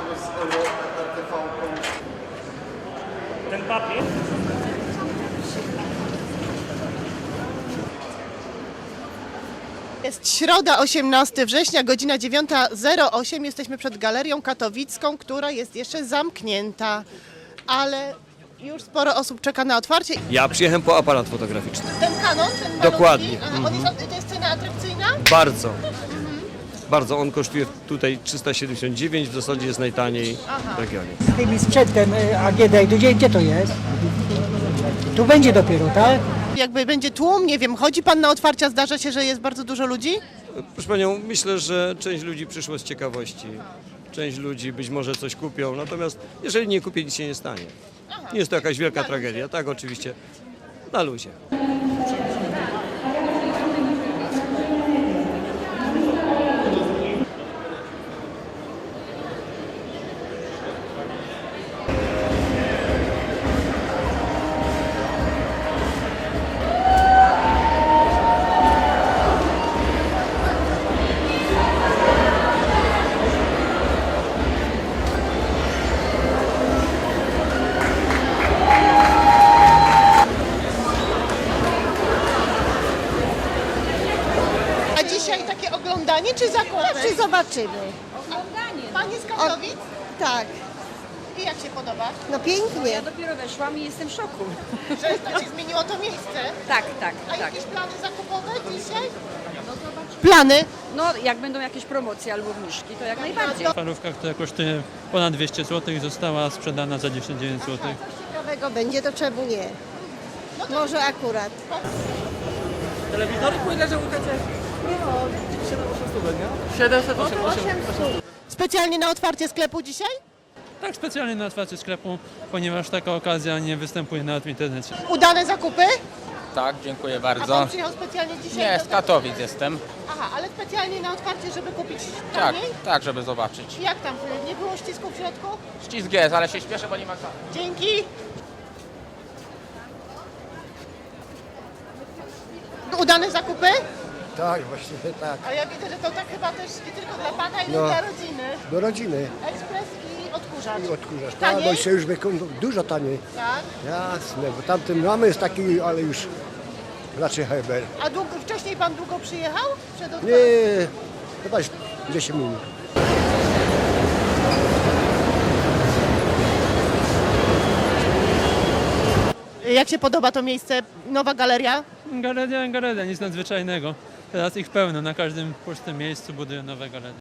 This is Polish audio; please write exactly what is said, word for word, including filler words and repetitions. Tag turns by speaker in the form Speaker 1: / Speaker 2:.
Speaker 1: Ten papier?
Speaker 2: Jest środa, osiemnastego września, godzina dziewiąta zero osiem. Jesteśmy przed Galerią Katowicką, która jest jeszcze zamknięta, ale już sporo osób czeka na otwarcie.
Speaker 3: Ja przyjechałem po aparat fotograficzny.
Speaker 2: Ten Canon, ten malutki,
Speaker 3: Dokładnie.
Speaker 2: aha, on jest, to jest cena atrakcyjna?
Speaker 3: Bardzo. Bardzo. On kosztuje tutaj trzysta siedemdziesiąt dziewięć, w zasadzie jest najtaniej w regionie.
Speaker 4: Z tymi sprzętem y, A G D, gdzie, gdzie to jest? Tu będzie dopiero, tak?
Speaker 2: Jakby będzie tłum, nie wiem, chodzi pan na otwarcia, zdarza się, że jest bardzo dużo ludzi?
Speaker 3: Proszę Panią, myślę, że część ludzi przyszło z ciekawości. Część ludzi być może coś kupią, natomiast jeżeli nie kupię, nic się nie stanie. Nie jest to jakaś wielka tragedia. Tak, oczywiście, na luzie.
Speaker 2: A dzisiaj takie oglądanie czy zakupy?
Speaker 5: Czy zobaczymy?
Speaker 2: Pan jest z Katowic?
Speaker 5: Tak,
Speaker 2: I jak się podoba?
Speaker 5: no pięknie.
Speaker 6: Ja dopiero weszłam i jestem w szoku.
Speaker 2: Że tak się zmieniło to miejsce?
Speaker 6: Tak, tak,
Speaker 2: A
Speaker 6: tak.
Speaker 2: jakieś plany zakupowe dzisiaj? Plany?
Speaker 6: No jak będą jakieś promocje albo obniżki, to jak najbardziej.
Speaker 1: Parówka, która kosztuje ponad dwieście złotych, została sprzedana za dziewięćdziesiąt dziewięć złotych.
Speaker 5: Ciekawego będzie, to czemu nie? Może akurat.
Speaker 2: Specjalnie na otwarcie sklepu dzisiaj?
Speaker 1: Tak, specjalnie na otwarcie sklepu, ponieważ taka okazja nie występuje nawet w internecie.
Speaker 2: Udane zakupy?
Speaker 7: Tak, dziękuję
Speaker 2: A
Speaker 7: bardzo.
Speaker 2: pan przyjechał specjalnie dzisiaj?
Speaker 7: Nie,
Speaker 2: do-
Speaker 7: z Katowic jestem.
Speaker 2: Aha, ale specjalnie na otwarcie, żeby kupić
Speaker 7: Tak,
Speaker 2: taniej?
Speaker 7: tak, żeby zobaczyć.
Speaker 2: Jak tam? Nie było ścisku w środku?
Speaker 7: Ścisk jest, ale się śpieszę, bo nie ma czasu.
Speaker 2: Dzięki. Udane zakupy?
Speaker 8: Tak, właśnie tak.
Speaker 2: A ja widzę, że to tak chyba też nie tylko dla pana, ale
Speaker 8: No.
Speaker 2: dla rodziny.
Speaker 8: Do rodziny
Speaker 2: Ekspres i odkurzacz.
Speaker 8: i odkurzasz. Tak,
Speaker 2: Taniej?
Speaker 8: bo się już wyką- dużo taniej.
Speaker 2: Tak.
Speaker 8: Jasne, bo tamten mamy jest taki, ale już raczej Heber.
Speaker 2: A długo, wcześniej pan długo przyjechał? Przed otwarciem?
Speaker 8: Nie, chyba już dziesięć minut.
Speaker 2: Jak się podoba to miejsce? Nowa galeria?
Speaker 1: Galeria, galeria, nic nadzwyczajnego. Teraz ich pełno, na każdym pustym miejscu budują nowe galerie.